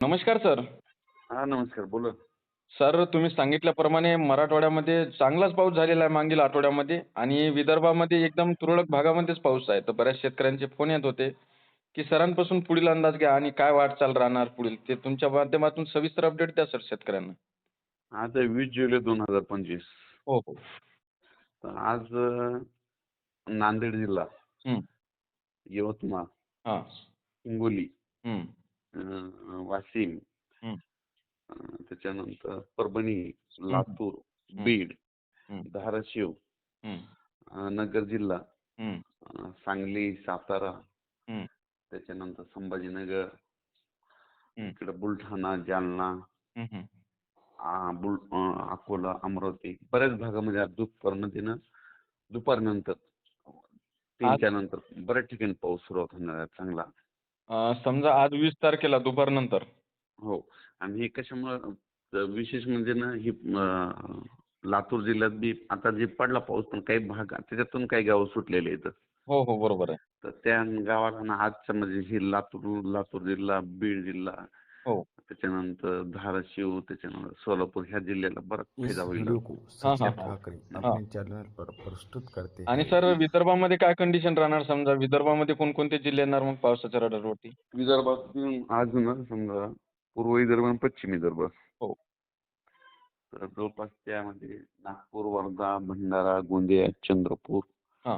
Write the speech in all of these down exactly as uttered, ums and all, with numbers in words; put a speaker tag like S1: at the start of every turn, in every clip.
S1: नमस्कार सर.
S2: हां, नमस्कार. बोला.
S1: सर तुम्ही सांगितल्याप्रमाणे मराठवाड्यामध्ये चांगलाच पाऊस झालेला आहे मागील आठवड्यामध्ये आणि विदर्भामध्ये एकदम तुरळक भागामध्येच पाऊस आहे. तर बऱ्याच शेतकऱ्यांचे फोन येत होते, की सरांपासून पुढील अंदाज घ्या आणि काय वाटचाल राहणार पुढील. ते तुमच्या माध्यमातून सविस्तर अपडेट द्या सर शेतकऱ्यांना.
S2: आज आहे वीस जुलै दोन हजार पंचवीस.
S1: हो, हो.
S2: तर आज अ, नांदेड जिल्हा,
S1: हं.
S2: यवतमाळ,
S1: हां.
S2: हिंगोली,
S1: हं.
S2: अ, वाशिम,
S1: हं.
S2: अ, त्याच्यानंतर परभणी,
S1: हं, हं.
S2: लातूर,
S1: हं.
S2: बीड,
S1: हं.
S2: धाराशिव,
S1: हं.
S2: अ, नगर जिल्हा,
S1: हं.
S2: अ, सांगली, सातारा,
S1: हं.
S2: त्याच्यानंतर संभाजीनगर,
S1: हं.
S2: इकडं बुलढाणा, जालना,
S1: हं, हं.
S2: आ, बुल अ, अकोला, अमरावती बऱ्याच भागामध्ये आज दुपारमध्ये ना दुपारनंतर
S1: आज
S2: तीनच्या नंतर बऱ्याच ठिकाणी पाऊस सुरुवात होणार आहे चांगला.
S1: अ, समजा आज वीस तारखेला दुपारनंतर.
S2: हो. आणि हे कशामुळं अ, विशेष म्हणजे ना ही अ, लातूर जिल्ह्यात बी आता जे पडला पाऊस पण काही भाग त्याच्यातून काही गावं सुटलेले आहेत.
S1: हो, हो. बरोबर आहे.
S2: तर त्या गावाला ना आजच्या म्हणजे ही लातूर लातूर जिल्हा, बीड जिल्हा,
S1: हो.
S2: त्याच्यानंतर धाराशिव, त्याच्यानंतर सोलापूर ह्या जिल्ह्याला बराच
S3: इस
S2: फायदा होईल.
S3: वीडियो को
S1: हां, हां,
S3: सचिन
S1: हां.
S3: ठाकरे
S1: हां.
S3: अपने चैनल पर प्रस्तुत करते
S1: आणि
S3: हैं।
S1: सर विदर्भामध्ये काय कंडिशन राहणार समजा विदर्भामध्ये कोणकोणते जिल्हे येणार मग पावसाच्या रडारवरती?
S2: विदर्भातून आज ना समजा पूर्व विदर्भ आणि पश्चिम विदर्भ,
S1: हो.
S2: तर जवळपास त्यामध्ये नागपूर, वर्धा, भंडारा, गोंदिया, चंद्रपूर,
S1: हां.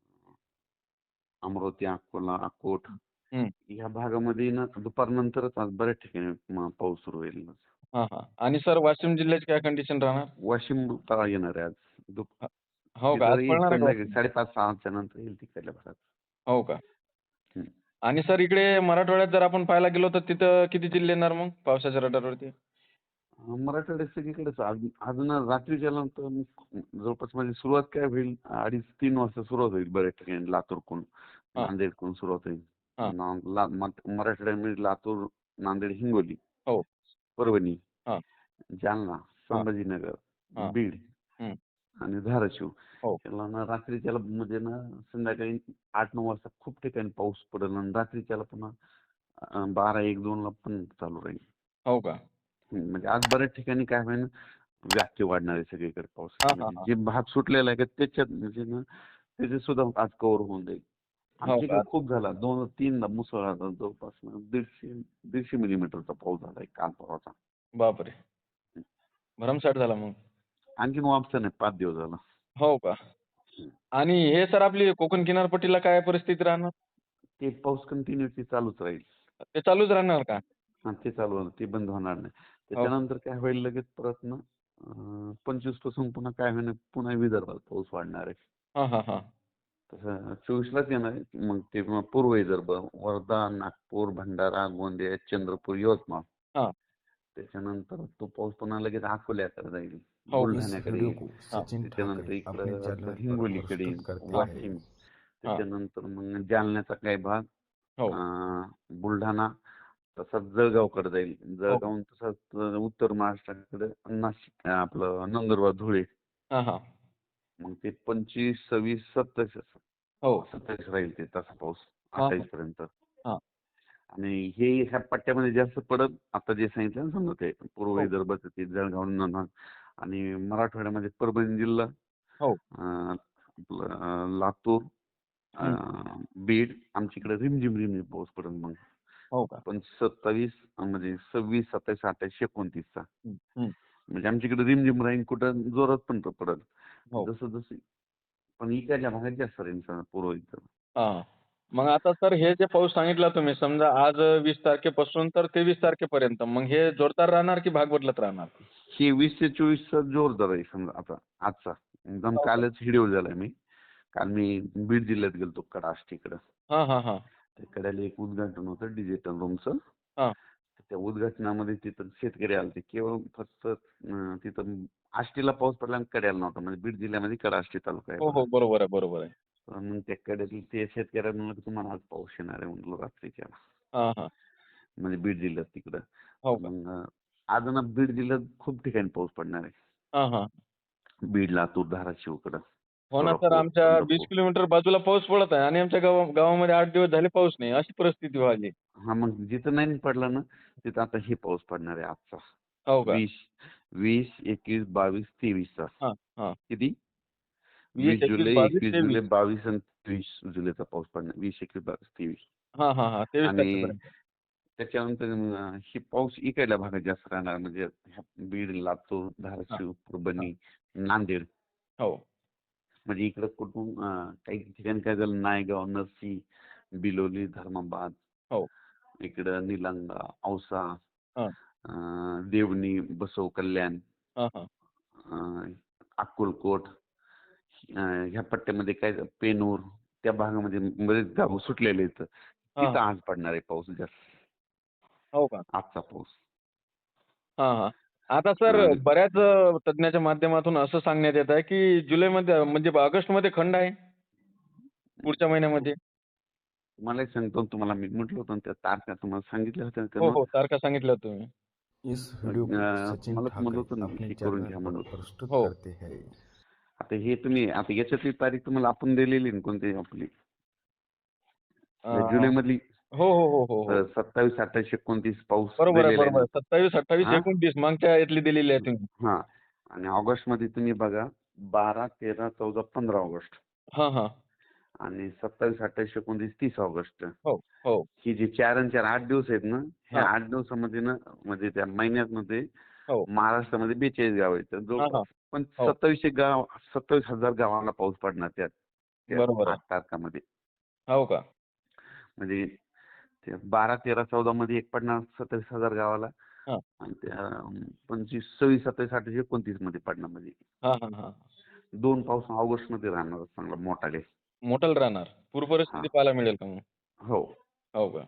S2: अमरावती, अकोला, अकोट
S1: हं.
S2: या भागामध्ये ना दुपारनंतरच आज बऱ्याच ठिकाणी म पाऊस सुरू होईल.
S1: हां, हां. आणि सर वाशिम जिल्ह्याची काय कंडिशन राहणार?
S2: वाशिम तळा येणार आहे आज. दुप
S1: अ, हो का? आज
S2: तिथं येईल
S1: पडणार आहे का
S2: संध्याकाळी
S1: वाशिम?
S2: साडेपाच सहाच्या नंतर येईल तिकडल्या भागात.
S1: हो का?
S2: हं.
S1: आणि सर इकडे मराठवाड्यात जर आपण पाहायला गेलो तर तिथं किती जिल्हे येणार मग पावसाच्या रडारवरती?
S2: अ, मराठवाड्यात सगळीकडेच आज आज ना रात्रीच्या नंतर जवळपास म्हणजे सुरुवात काय होईल अडीच तीन वाजता सुरुवात होईल बऱ्याच ठिकाणी लातूरकडून,
S1: हां,
S2: नांदेडकडून सुरुवात होईल.
S1: हां.
S2: ना ला मत मराठवाड्यामध्ये लातूर, नांदेड, हिंगोली,
S1: हो.
S2: परभणी,
S1: हां,
S2: जालना,
S1: हां,
S2: संभाजीनगर,
S1: हां.
S2: बीड
S1: हं.
S2: आणि धाराशिव
S1: हो.
S2: याला ना रात्रीच्याला म्हणजे ना संध्याकाळी आठ नऊ वाजता खूप ठिकाणी पाऊस पडेल आणि रात्रीच्याला पुन्हा अ, बारा एक दोन ला पण चालू राहील.
S1: हो का?
S2: हं, म्हणजे आज बऱ्याच ठिकाणी काय होईल व्याप्ती वाढणार आहे सगळीकडे
S1: हां,
S2: पावसाची.
S1: हां,
S2: म्हणजे
S1: हां.
S2: जे भाग सुटलेला आहे का त्याच्यात म्हणजे ना त्याचे सुद्धा आज कव्हर होऊन जाईल.
S1: हो
S2: आमच्या इकडे
S1: का?
S2: खूप झाला. दोन तीनदा मुसळधार जवळपास ना दीडशे दीडशे मिलीमीटरचा पाऊस झाला काल परवाचा.
S1: बापरे! भरमसाठ झाला मग.
S2: आणखीन वापसा नाही पाच दिवस झाला.
S1: हो का? आणि हे सर आपली कोकण किनारपट्टीला काय परिस्थिती राहणार?
S2: ते पाऊस कंटिन्युअसली चालूच राहील.
S1: ते चालूच राहणार का?
S2: हां, ते चालू होणार. ते बंद होणार नाही.
S1: हो.
S2: त्याच्यानंतर काय होईल लगेच परत ना अ, पंचवीस पासून पुन्हा काय होईल पुन्हा विदर्भात पाऊस वाढणार आहे.
S1: हां, हां, हां.
S2: तसं चोवीसलाच येणार आहे. मग ते मग पूर्व विदर्भ, वर्धा, नागपूर, भंडारा, गोंदिया, चंद्रपूर, यवतमाळ.
S1: हां.
S2: त्याच्यानंतर तो पाऊस पुन्हा लगेच अकोल्याकडे जाईल,
S1: हो.
S3: इस
S2: बुलढाण्याकडे
S3: वीडियो
S2: येईल.
S3: को
S1: हां,
S3: सचिन
S2: त्याच्यानंतर
S3: ठाकरे अपने
S2: इकडं आपलं
S3: चैनल पर
S2: हिंगोलीकडे
S3: प्रस्तुत
S2: येईल,
S3: करते
S1: हां,
S3: हैं।
S2: वाशिम.
S1: हां.
S2: त्याच्यानंतर मग जालन्याचा काही भाग,
S1: हो.
S2: अं, बुलढाणा, तसाच जळगावकडे जाईल.
S1: हो, हो.
S2: जळगावून तसाच उत्तर महाराष्ट्राकडे नाशिक आपलं नंदुरबार, धुळे.
S1: हां, हां.
S2: मग ते पंचवीस, सव्वीस, सत्तावीस
S1: हो.
S2: सत्तावीस राहील ते तसा पाऊस
S1: हां,
S2: अठ्ठावीस
S1: हां.
S2: पर्यंत.
S1: हां.
S2: आणि हे ह्या पट्ट्यामध्ये जास्त पडत आता जे सांगितलं ना समजा ते पूर्व
S1: हो.
S2: विदर्भाचं ते जळगाव नंदुरबार आणि मराठवाड्यामध्ये परभणी जिल्हा,
S1: हो.
S2: अं, आपलं अं, लातूर,
S1: हं.
S2: अं, बीड आमच्याकडे रिमझिम रिमझिम पाऊस पडेल मग.
S1: हो का?
S2: पण सत्तावीस म्हणजे सव्वीस, सत्तावीस, अठ्ठावीस, एकोणतीसचा
S1: हं, हं.
S2: म्हणजे आमच्याकडे रिमझिम राहील कुठं जोरात पण पडेल.
S1: हो.
S2: जसं जसं पण इकडच्या भागात जास्त राहील समजा पूर्व विदर्भ.
S1: हां. मग आता सर हे जे पाऊस सांगितला तुम्ही समजा आज वीस तारखेपासून तर तेवीस तारखेपर्यंत. मग हे जोरदार राहणार की भाग बदलत राहणार?
S2: हे वीस ते चोवीसचा जोरदार आहे समजा आता आजचा. एकदम
S1: हो का?
S2: कालच शेड्यूल झालाय मी. काल मी बीड जिल्ह्यात गेलतो कडा आष्टीकडं.
S1: हां, हां, हां.
S2: त्या कड्याला एक उद्घाटन होतं डिजिटल रूमचं.
S1: हां.
S2: त्या उद्घाटनामध्ये तिथं शेतकरी आलते. केवळ फक्त अं, तिथं आष्टीला पाऊस पडला आणि कड्याला नव्हता. म्हणजे बीड जिल्ह्यामध्ये कडा आष्टी तालुका आहे
S1: हो,
S2: बघा.
S1: हो. बरोबर आहे, बरोबर आहे.
S2: तर मग त्या कड्यातील ते शेतकऱ्यांना म्हणलं की तुम्हाला आज पाऊस येणार आहे म्हणलं रात्रीच्या.
S1: हां, हां.
S2: म्हणजे बीड जिल्ह्यात तिकडं.
S1: हो
S2: तर
S1: का?
S2: मग अं, आज ना बीड जिल्ह्यात खूप ठिकाणी पाऊस पडणार आहे.
S1: हां, हां.
S2: बीड, लातूर, धाराशिवकडं,
S1: हो ना सर,
S2: सोलापूर,
S1: आमच्या वीस
S2: पंढरपूर.
S1: किलोमीटर बाजूला पाऊस पडत आहे आणि आमच्या गावा गावामध्ये आठ दिवस झाले पाऊस नाही. अशी परिस्थिती व्हायली.
S2: हा मग जिथं नाही पडला ना तिथं आता हे पाऊस पडणार आहे आजचा.
S1: हो का?
S2: वीस वीस एकवीस बावीस तेवीसचा.
S1: हां, हां.
S2: किती?
S1: वीस,
S2: वीस
S1: एकवीस,
S2: जुलै
S1: बावीस,
S2: एकवीस जुलै
S1: तेवीस.
S2: बावीस आणि तेवीस जुलैचा पाऊस पडणार. वीस एकवीस बावीस तेवीस.
S1: हां, हां, हां. तेवीस
S2: आणि
S1: तारखेपर्यंत.
S2: त्याच्यानंतर अं, हे पाऊस इकडल्या भागात जास्त राहणार म्हणजे ह्या बीड लातूर
S1: हां,
S2: धाराशिव
S1: हां.
S2: परभणी नांदेड.
S1: हो.
S2: म्हणजे इकडं कुठून अं, काही ठिकाणी काय झालं नायगाव नरसी बिलोली धर्माबाद
S1: हो.
S2: इकडं निलंगा औसा
S1: हां.
S2: अं, देवणी बसव कल्याण
S1: हां, हां.
S2: अं, अक्कलकोट अं, ह्या पट्ट्यामध्ये काय पेनूर त्या भागामध्ये बरेच गाव सुटलेले आहेत.
S1: हां,
S2: तिथं
S1: हां.
S2: आज पडणार आहे पाऊस जास्त.
S1: हो का?
S2: आजचा पाऊस.
S1: हां, हां. आता सर
S2: अं,
S1: बऱ्याच अ, तज्ञाच्या माध्यमातून असं सांगण्यात येत आहे, की जुलैमध्ये म्हणजे ऑगस्टमध्ये खंड आहे, पुढच्या महिन्यामध्ये.
S2: तुम्हाला एक सांगतो तुम्हाला मी म्हटलं होतं ना त्या तारखा तुम्हाला सांगितल्या होत्या ना
S1: हो,
S2: त्यानं.
S1: हो. तारखा सांगितल्या तुम्ही.
S3: इस वीडियो को
S2: अं,
S3: सचिन
S2: तुम्हाला म्हणलं
S3: ठाकरे
S2: होतं ना
S3: अपने
S2: हे करून
S3: चैनल
S2: घ्या
S3: पर
S2: म्हणून.
S3: प्रस्तुत
S1: हो.
S3: करते हैं.
S2: आता हे तुम्ही आता याच्यातली तारीख तुम्हाला आपण दिलेली ना कोणती आपली
S1: अ,
S2: या जुलैमधली
S1: हो, हो, हो, हो, हो.
S2: सत्तावीस अठ्ठावीस एकोणतीस पाऊस
S1: बरोबर आहे,
S2: दिलेला आहे
S1: बरोबर
S2: ना.
S1: आहे. सत्तावीस, अठ्ठावीस,
S2: हा
S1: एकोणतीस मागच्या यातली दिलेली आहे तुम्ही.
S2: हा आणि ऑगस्ट मध्ये तुम्ही बघा बारा तेरा चौदा पंधरा ऑगस्ट
S1: हां, हां.
S2: आणि सत्तावीस अठ्ठावीस एकोणतीस तीस ऑगस्ट
S1: हो, हो.
S2: ही जी चार आणि चार आठ दिवस आहेत ना ह्या
S1: हां.
S2: आठ दिवसामध्ये ना म्हणजे त्या महिन्यात मध्ये
S1: हो.
S2: महाराष्ट्रामध्ये बेचाळीस गाव आहेत तर
S1: हां,
S2: जवळपास
S1: हां.
S2: पण
S1: हो.
S2: सत्तावीसशे गाव सत्तावीस हजार गावाला पाऊस पडणार त्यात त्या
S1: बरोबर आहे.
S2: आठ तारखामध्ये.
S1: हो का?
S2: म्हणजे ते बारा तेरा चौदा मध्ये एक पडणार सत्तावीस हजार गावाला
S1: हां.
S2: आणि त्या पंचवीस सव्वीस सत्तावीस अठ्ठावीस एकोणतीस मध्ये पडणार म्हणजे
S1: हां, हां, हां.
S2: दोन पाऊस ऑगस्ट मध्ये राहणार चांगला मोठाले.
S1: मोठं राहणार. पूर
S2: हा
S1: परिस्थिती पाहायला मिळेल का मग?
S2: हो.
S1: हो का?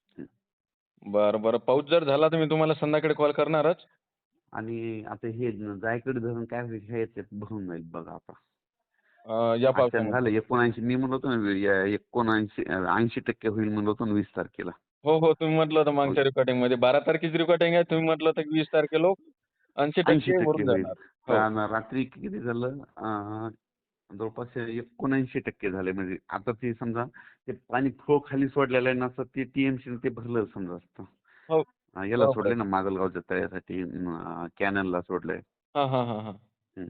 S1: बरं, बरं. पाऊस जर झाला तर मी तुम्हाला संध्याकाळी कॉल करणारच.
S2: आणि आता हे जायकडे धरण काय होईल हे याच्यात भरून जाईल बघा आता.
S1: अ, या
S2: अचानक झालं
S1: पावसामध्ये.
S2: एकोणऐंशी मी म्हणलो होतो ना या एकोणऐंशी ऐंशी टक्के होईल म्हणलो होतो ना वीस तारखेला.
S1: हो, हो. तुम्ही म्हटलं होतं
S2: हो,
S1: मागच्या रेकॉर्डिंगमध्ये बारा तारखेची रेकॉर्डिंग आहे. तुम्ही म्हटलं होतं की वीस तारखेला ऐंशी
S2: ऐंशी
S1: टक्के
S2: टक्के
S1: भरून
S2: होईल.
S1: जाणार. हो.
S2: कारण रात्री किती झालं अं, जवळपास एकोणऐंशी टक्के झाले म्हणजे आता ते समजा ते पाणी फ्लो खाली सोडलेलं आहे ना असं ते टीएमसी ते भरलं समजा असतं.
S1: हो.
S2: अं, याला
S1: बरोबर
S2: सोडले
S1: आहे.
S2: ना माजलगावच्या तळ्यासाठी कॅनलला सोडलंय.
S1: हां, हां, हां, हां.
S2: हं.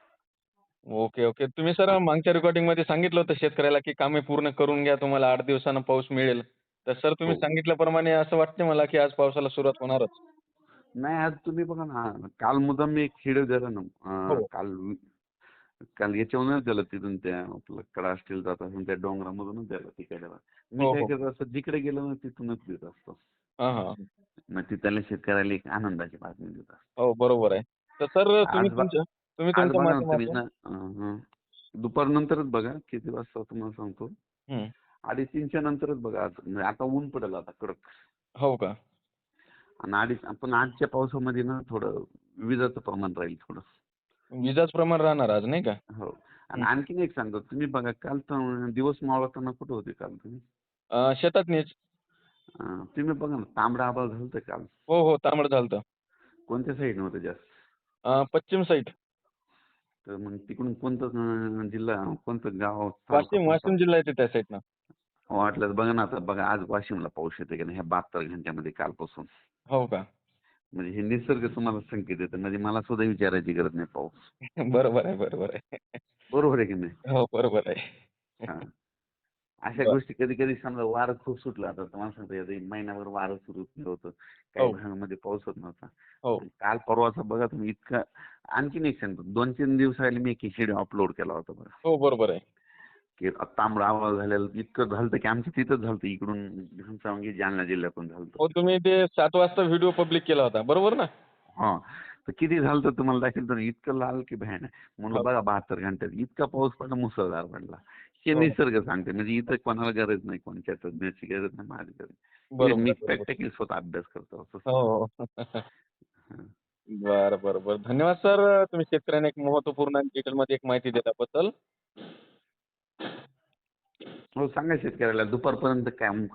S1: Okay, okay. तुम्ही सर मागच्या रेकॉर्डिंगमध्ये सांगितलं होतं शेतकऱ्याला की कामे पूर्ण करून घ्या. तुम्हाला आठ दिवसानं पाऊस मिळेल. तर सर तुम्ही
S2: हो.
S1: सांगितल्याप्रमाणे असं वाटतं मला की आज पावसाला सुरुवात होणारच.
S2: नाही आज तुम्ही बघा ना काल मुद्दाम मी एक व्हिडिओ दिला ना अं,
S1: हो.
S2: काल काल याच्यावरूनच दिलं तिथून त्या आपलं कडा स्टील जात असून त्या डोंगरामधूनच दिलं तिकडे. मी
S1: हो,
S2: काय
S1: हो.
S2: करत असतो जिकडे गेलो ना तिथूनच देत असतो.
S1: हां, हां.
S2: मग तिथल्या शेतकऱ्याला एक आनंदाची बातमी देत असतो.
S1: हो, बरोबर आहे. तर सर तुम्ही
S2: आज बा
S1: तुमच्या तुम्ही
S2: आज
S1: तुमच्या
S2: बघा ना तुम्ही
S1: माध्यमातून
S2: ना अं, दुपारनंतरच बघा किती वाजता तुम्हाला सांगतो.
S1: हं.
S2: अडीच तीनच्या नंतरच बघा आज म्हणजे आता ऊन पडेल आता कडक.
S1: हो का?
S2: आणि अडीच आपण आजच्या पावसामध्ये ना थोडं विजाचं प्रमाण राहील थोडं.
S1: विजाच प्रमाण राहणार आज नाही का?
S2: हो. आणि
S1: हं.
S2: आणखीन एक सांगतो तुम्ही बघा काल तर दिवस मावळताना कुठे होते काल तुम्ही?
S1: अ, शेतातनीच.
S2: अं, तुम्ही बघा ना तांबडा आभाळ झालं काल.
S1: हो, हो. तांबडं झालतं.
S2: कोणत्या साईडनं होतं जास्त?
S1: अ, पश्चिम साईड.
S2: तर मग तिकडून कोणतं अं, जिल्हा कोणतं गाव तालुका
S1: वाशिम,
S2: कोणता?
S1: वाशिम जिल्हा येते त्या साईडनं.
S2: वाटल्यास बघा ना आता बघा आज वाशिमला पाऊस येते की नाही ह्या बहात्तर घंट्यामध्ये कालपासून.
S1: हो का?
S2: म्हणजे हे निसर्ग तुम्हाला संकेत देतं म्हणजे मला सुद्धा विचारायची गरज नाही पाऊस.
S1: बरोबर आहे, बरोबर आहे.
S2: बरोबर आहे की नाही?
S1: हो, बरोबर आहे.
S2: हा. अशा
S1: बरं.
S2: गोष्टी कधी कधी समजा वारं खूप सुटलं आता तुम्हाला सांगतो आता एक महिनाभर वारं सुरू होतं. काही
S1: हो,
S2: भागामध्ये पाऊस होत नव्हता.
S1: हो.
S2: आणि काल परवाचा बघा तुम्ही इतका आणखीन एक सांगतो दोन तीन दिवसाआधी मी एक व्हिडिओ अपलोड केला होता बघा.
S1: हो, बरोबर आहे.
S2: की तांबडा आवाज झालेला इतकं झालं की आमच्या तिथंच झालं इकडून घनसावंगी जालना जिल्ह्यातून झालं.
S1: हो, तुम्ही ते सात वाजता व्हिडिओ पब्लिक केला होता. बरोबर ना?
S2: हा तर किती झालं तर तुम्हाला दाखवेल तर इतकं लाल की भयानक म्हणलं
S1: हो,
S2: बघा बहात्तर घंट्यात इतका पाऊस पडला मुसळधार पडला. हे
S1: हो.
S2: निसर्ग सांगते म्हणजे इथं कोणाला गरज नाही कोणत्या तज्ञाची गरज नाही माझी गरज. हे
S1: बरोबर
S2: मी
S1: आहे, बरोबर.
S2: प्रॅक्टिकली स्वतः अभ्यास करतो असं
S1: हो,
S2: सांगतो.
S1: हो.
S2: हं.
S1: बरं, बरं, बरं. धन्यवाद सर. तुम्ही शेतकऱ्यांना एक महत्त्वपूर्ण आणि डिटेलमध्ये एक माहिती दिल्याबद्दल.
S2: हो सांगा शेतकऱ्याला दुपारपर्यंत काय